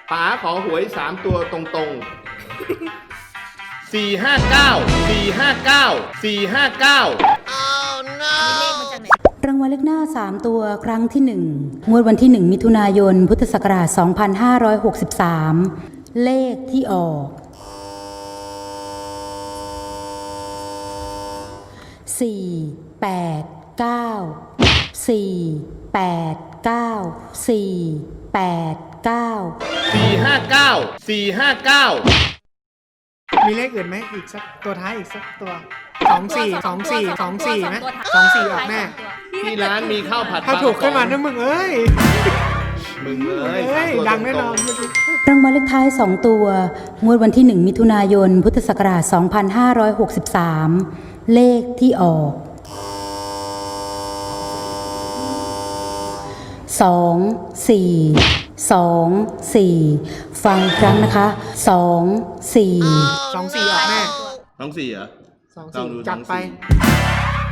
ป๋าขอหวย3ตัวตรงๆ459 รางวัลเลขหน้า3ตัวครั้งที่1งวดวันที่1มิถุนายนพุทธศักราช2563เลขที่ออก 459 มีเลขอื่นไหมอีกสักตัวท้ายอีกสักตัว24ไหม24ออกแน่ที่ร้านมีข้าวผัดถ้าถูกขึ้นมานะมึงเอ้ยมึงเอ้ยเอ้ย 3ตัวดังแน่นอนรางวัลเลขท้าย2ตัวงวดวันที่1มิถุนายนพุทธศักราช2563เลขที่ออก24ฟังอีกครั้งนะคะ24 24ออกแน่ 24เหรอ 24จัดไป 24